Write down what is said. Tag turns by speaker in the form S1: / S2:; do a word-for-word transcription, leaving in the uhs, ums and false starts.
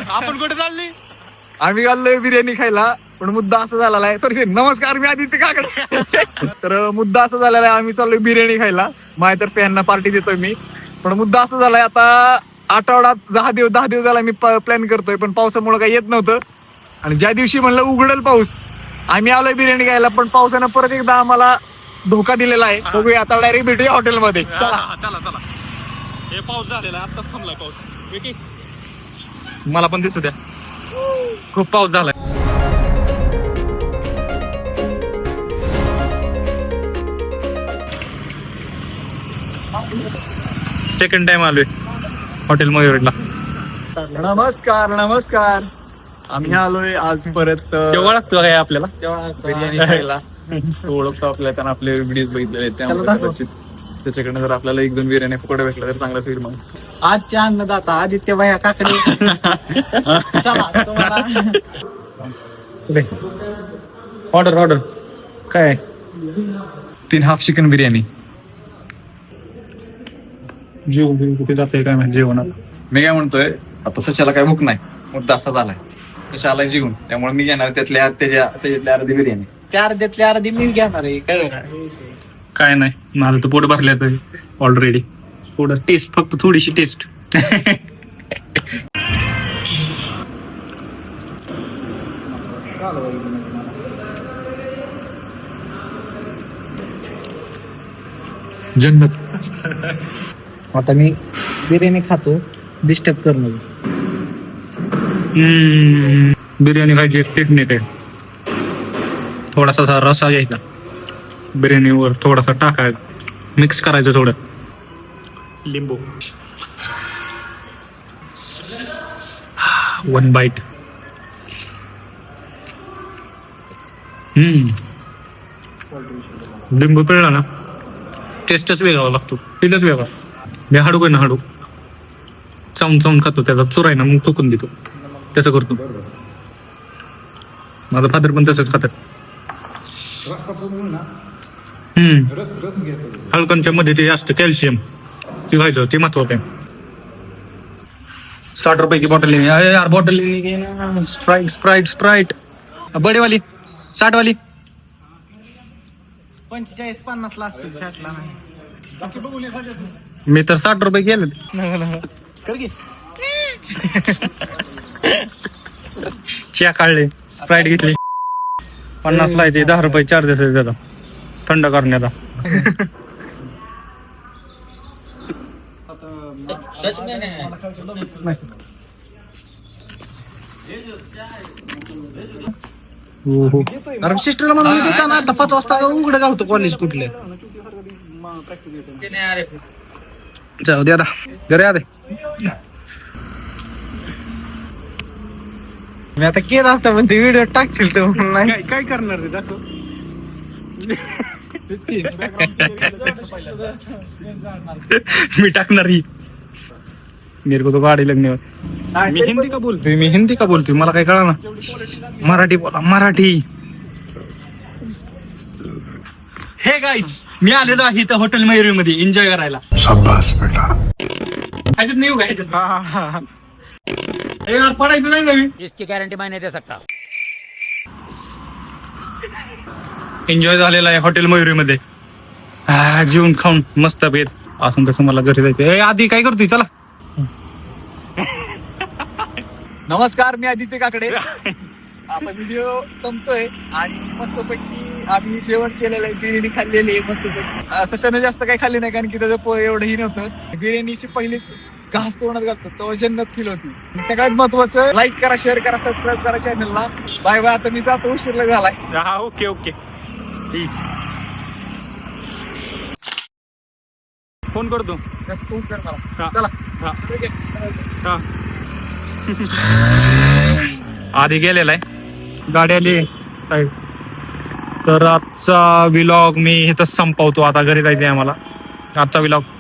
S1: आपण कुठे चालली?
S2: आम्ही घाललोय बिर्याणी खायला. पण मुद्दा असा झालेला आहे तर नमस्कार मी आदित्य काकडे. तर मुद्दा असा झालेला आहे आम्ही चाललोय बिर्याणी खायला. माझ्यातर्फे यांना पार्टी देतोय मी. पण मुद्दा असा झालाय आता आठवड्यात दहा दिवस दहा दिवस झाला मी प्लॅन करतोय पण पावसामुळे काही येत नव्हतं. आणि ज्या दिवशी म्हणलं उघडेल पाऊस आम्ही आलोय बिर्याणी खायला पण पावसानं परत एकदा आम्हाला धोका दिलेला आहे. बघूया आता डायरेक्ट भेटूया हॉटेलमध्ये. चला
S1: चला चला. हे पाऊस झालेला आताच थांबलाय पाऊस.
S2: मला पण दिसू द्या खूप पाऊस झालाय.
S1: सेकंड टाइम आलोय हॉटेल मयूरला.
S2: नमस्कार नमस्कार. आम्ही आलोय आज परत
S1: तेव्हा लागतो काय आपल्याला
S2: बिर्याणी खायला. ओळखतो आपल्याला कारण आपले व्हिडिओज बघितलेले त्यामुळे त्याच्याकडनं जर आपल्याला एक दोन बिर्याणी फुकट भेटला तर चांगलाच होईल. मग
S3: आजच्या अन्नदाता आदित्य भैया काकडे. चला तुम्हाला
S1: ऑर्डर ऑर्डर काय?
S2: तीन हाफ चिकन बिर्याणी.
S1: जेवण कुठे जाते काय माहिती जेवणात.
S2: मी काय म्हणतोय आता सशाला काय भूक नाही मुद्दा असा झालाय सशाला जेवून त्यामुळे मी घेणार त्यातल्या त्याच्या त्याच्यातल्या अर्धी बिर्याणी.
S3: त्या अर्ध्यातल्या अर्धी मी घेणार आहे कळलं.
S1: काय नाही माझं तर पोट भरले ऑलरेडी. थोडं टेस्ट फक्त थोडीशी टेस्ट.
S2: जन्नत.
S3: आता मी बिर्याणी खातो डिस्टर्ब करू नको.
S1: बिर्याणी खायची एक टेक्निक आहे. थोडासा रसा घ्यायचा बिर्याणीवर थोडासा टाकायचा मिक्स करायचं थोडं लिंबू. One bite. हम्म लिंबू पिळला ना टेस्टच वेगळा लागतो. फीलच वेगळा. मी हाडू काय ना हाडू चावून चावून खातो त्याचा चुराय ना मग चुकून देतो तसं करतो. माझा फादर पण तसंच खातात. हम्म हलकांच्या मध्ये ते असतं कॅल्शियम ते व्हायचं ते महत्वाचं आहे. साठ रुपये की बॉटल लेनी अरे यार बॉटल लेनी की ना. स्प्राइट स्प्राइट स्प्राइट बडे वाली साठ वाली.
S3: पंचेचाळीस पन्नास ला असतील साठला नाही.
S1: मी तर साठ रुपये गेले.
S3: कर घे.
S1: च्या काढले स्प्राइट घेतली पन्नास ला येते दहा रुपये चार्जेस आहे त्याचा थंड करण्याचा.
S3: अरे सिस्टरला म्हणून देता ना आता पाच वाजता उघडं गावतो कॉलेज कुठले.
S1: जाऊ दे आता घरी आले.
S3: मी आता केला असता पण ते व्हिडिओ टाकशील तर नाही
S2: काय करणार रे दाखव.
S1: मी टाकणार ही मेरे को तो गाडी लगने. मी हिंदी का बोलतोय मी हिंदी का बोलतोय मला काय कळा ना. मराठी बोला मराठी. हे गाईज मी आलेलो आहे इथं हॉटेल मयुरी मध्ये एन्जॉय करायला.
S2: शाबास बेटा.
S1: ह्याच्यात नाही उगा ह्याच्यात यार पडायचं नाही नवीन.
S4: इसकी गारंटी मैं नहीं दे सकता.
S1: एन्जॉय झालेला आहे हॉटेल मयुरी मध्ये. जेवून खाऊन मस्त भेट असून तसं मला घरी जायचं. आधी काय करतोय चला.
S2: नमस्कार मी आदित्य काकडे. आपण व्हिडिओ संपतोय आणि मस्तपैकी आम्ही जेवण केलेलं आहे. बिर्याणी खाल्लेली आहे मस्तपैकी. सशानं जास्त काही खाल्ली नाही कारण की त्याचं पोळ एवढंही नव्हतं. बिर्याणीची पहिलीच घास तोंडात घालतो तो जन्नत फील होती. सगळ्यात महत्वाचं लाईक करा शेअर करा सबस्क्राईब करा चॅनलला. Bye bye. आता मी जातो उशीर झालाय.
S1: ओके ओके प्लीज फोन करतो.
S2: जास्त फोन कर मला.
S1: हा.
S2: चला
S1: हा.
S2: ठीक आहे.
S1: हा. आधी गेलेला आहे गाडी आली साईड. तर आजचा व्लॉग मी इथंच संपवतो. आता घरी जायचं आहे आम्हाला. आजचा व्लॉग